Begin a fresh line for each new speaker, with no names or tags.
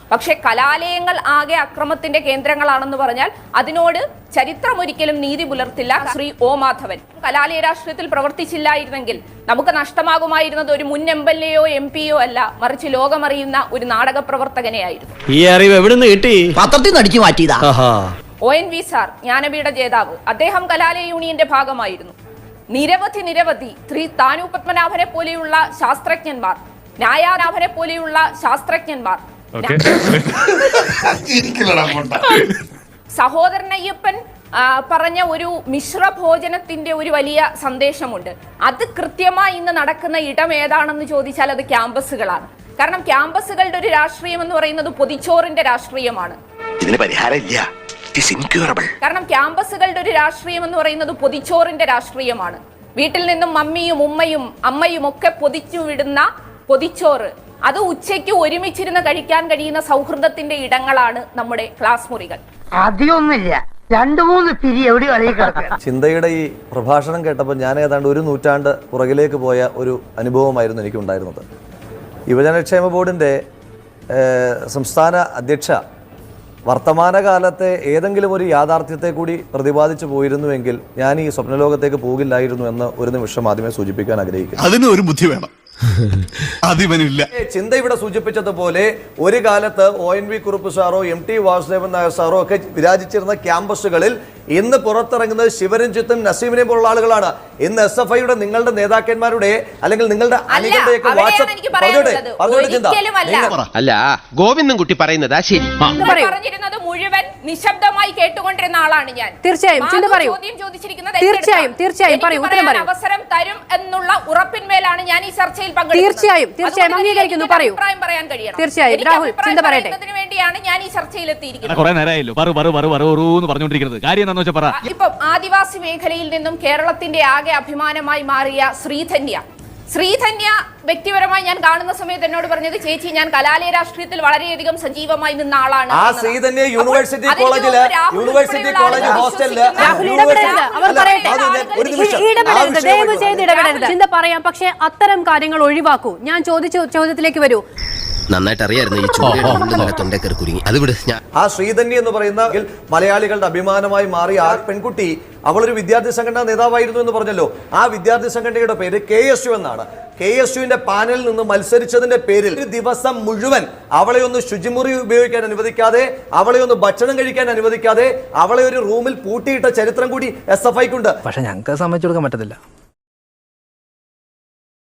പക്ഷെ കലാലയങ്ങൾ ആകെ അക്രമത്തിന്റെ കേന്ദ്രങ്ങളാണെന്ന് പറഞ്ഞാൽ അതിനോട് ചരിത്രം ഒരിക്കലും നീതി പുലർത്തില്ല. ശ്രീ ഒ മാധവൻ കലാലയ രാഷ്ട്രീയത്തിൽ പ്രവർത്തിച്ചില്ലായിരുന്നെങ്കിൽ നമുക്ക് നഷ്ടമാകുമായിരുന്നത് ഒരു മുൻ MLA-യോ MP-യോ അല്ല, മറിച്ച് ലോകമറിയുന്ന ഒരു നാടക പ്രവർത്തകനെയായിരുന്നു.
ഈ അറിവ് എവിടുന്ന് കിട്ടി?
പത്രത്തിൽ നിന്ന് അടിച്ചു മാറ്റിയതാ.
ONV സാർ ജ്ഞാനപീഠ ജേതാവ്, അദ്ദേഹം കലാലയ യൂണിയന്റെ ഭാഗമായിരുന്നു. നിരവധി ശ്രീ താനു പത്മനാഭനെ പോലെയുള്ള ശാസ്ത്രജ്ഞന്മാർ, ന്യായാനാഭനെ പോലെയുള്ള ശാസ്ത്രജ്ഞന്മാർ, സഹോദരൻ അയ്യപ്പൻ പറഞ്ഞ ഒരു മിശ്രഭോജനത്തിന്റെ ഒരു വലിയ സന്ദേശമുണ്ട്. അത് കൃത്യമായി ഇന്ന് നടക്കുന്ന ഇടം ഏതാണെന്ന് ചോദിച്ചാൽ അത് ക്യാമ്പസുകളാണ്. കാരണം ക്യാമ്പസുകളുടെ ഒരു രാഷ്ട്രീയം എന്ന് പറയുന്നത് പൊതിച്ചോറിന്റെ രാഷ്ട്രീയമാണ്.
ഇതിന് പരിഹാരമില്ല.
കാരണം ക്യാമ്പസുകളുടെ ഒരു രാഷ്ട്രീയം എന്ന് പറയുന്നത് പൊതിച്ചോറിന്റെ രാഷ്ട്രീയമാണ്. വീട്ടിൽ നിന്നും മമ്മിയും ഉമ്മയും അമ്മയും ഒക്കെ പൊതിച്ചു വിടുന്ന പൊതിച്ചോറ്, അത് ഉച്ചയ്ക്ക് ഒരുമിച്ചിരുന്ന് കഴിക്കാൻ കഴിയുന്ന സൗഹൃദത്തിന്റെ ഇടങ്ങളാണ് നമ്മുടെ ക്ലാസ് മുറികൾ.
അധികമൊന്നുമില്ല, 2-3 പിരി എവിടെ കളിയാക്കുക.
ചിന്തയുടെ ഈ പ്രഭാഷണം കേട്ടപ്പോൾ ഞാൻ ഏതാണ്ട് 1 നൂറ്റാണ്ട് പുറകിലേക്ക് പോയ ഒരു അനുഭവമായിരുന്നു എനിക്കുണ്ടായിരുന്നത്. യുവജനക്ഷേമ ബോർഡിൻ്റെ സംസ്ഥാന അധ്യക്ഷ വർത്തമാനകാലത്തെ ഏതെങ്കിലും ഒരു യാഥാർത്ഥ്യത്തെ കൂടി പ്രതിപാദിച്ചു പോയിരുന്നുവെങ്കിൽ ഞാൻ ഈ സ്വപ്നലോകത്തേക്ക് പോകില്ലായിരുന്നു എന്ന് ഒരു നിമിഷം ആദ്യമേ സൂചിപ്പിക്കാൻ ആഗ്രഹിക്കുന്നു.
അതിന് ഒരു ബുദ്ധി വേണം, അതിവനില്ല.
ചിന്ത ഇവിടെ സൂചിപ്പിച്ചതുപോലെ ഒരു കാലത്ത് ONV കുറുപ്പ് സാറോ MT വാസുദേവൻ നായർ സാറോ ഒക്കെ വിരാജിച്ചിരുന്ന ക്യാമ്പസുകളിൽ ഇന്ന് പുറത്തിറങ്ങുന്നത് ശിവരഞ്ജിത്തും നസീമിനെയും പോലുള്ള ആളുകളാണ്. ഇന്ന് SFIയുടെ നിങ്ങളുടെ നേതാക്കന്മാരുടെ അല്ലെങ്കിൽ നിങ്ങളുടെ അണികളുടെയൊക്കെ
അല്ല ഗോവിന്ദൻകുട്ടി പറയുന്നതാ ശരി.
പറഞ്ഞിരുന്നത് മുഴുവൻ നിശബ്ദമായി കേട്ടുകൊണ്ടിരുന്ന ആളാണ് ഞാൻ.
തീർച്ചയായും
അവസരം തരും എന്നുള്ള ഉറപ്പിന്മേലാണ് ഞാൻ ഈ ചർച്ചയിൽ
തീർച്ചയായും അംഗീകരിക്കുന്നു. പറയൂ.
അഭിപ്രായം പറയാൻ കഴിയണം.
തീർച്ചയായും രാഹുൽ ചിന്ത പറയട്ടെ.
അതിനു വേണ്ടിയാണ് ഞാൻ ഈ ചർച്ചയിൽ എത്തിയിരിക്കുന്നത്. ഇപ്പം ആദിവാസി മേഖലയിൽ നിന്നും കേരളത്തിന്റെ ആകെ അഭിമാനമായി മാറിയ ശ്രീധന്യ വ്യക്തിപരമായി ഞാൻ കാണുന്ന സമയത്ത് എന്നോട് പറഞ്ഞത്, ചേച്ചി ഞാൻ കലാലയ രാഷ്ട്രീയത്തിൽ വളരെയധികം സജീവമായി നിന്ന ആളാണ്.
യൂണിവേഴ്സിറ്റി കോളേജ് ഹോസ്റ്റലില്
ചിന്ത പറയാം, പക്ഷെ അത്തരം കാര്യങ്ങൾ ഒഴിവാക്കൂ. ഞാൻ ചോദിച്ച ചോദ്യത്തിലേക്ക് വരൂ.
നന്നായിട്ട് അറിയായിരുന്നു ഈ തൊണ്ടക്കറി കുരുങ്ങി. അത് വിട്.
ആ ശ്രീധന്യ എന്ന് പറയുന്ന മലയാളികളുടെ അഭിമാനമായി മാറിയ ആ പെൺകുട്ടി, അവളൊരു വിദ്യാർത്ഥി സംഘടനാ നേതാവായിരുന്നു എന്ന് പറഞ്ഞല്ലോ. ആ വിദ്യാർത്ഥി സംഘടനയുടെ പേര് KSU എന്നാണ്. KSUവിന്റെ പാനലിൽ നിന്ന് മത്സരിച്ചതിന്റെ പേരിൽ ഒരു ദിവസം മുഴുവൻ അവളെ ഒന്ന് ശുചിമുറി ഉപയോഗിക്കാൻ അനുവദിക്കാതെ, അവളെ ഒന്ന് ഭക്ഷണം കഴിക്കാൻ അനുവദിക്കാതെ, അവളെ ഒരു റൂമിൽ പൂട്ടിയിട്ട ചരിത്രം കൂടി SFIക്കുണ്ട്.
പക്ഷെ ഞങ്ങൾക്ക് സമ്മതിച്ചു കൊടുക്കാൻ പറ്റത്തില്ല.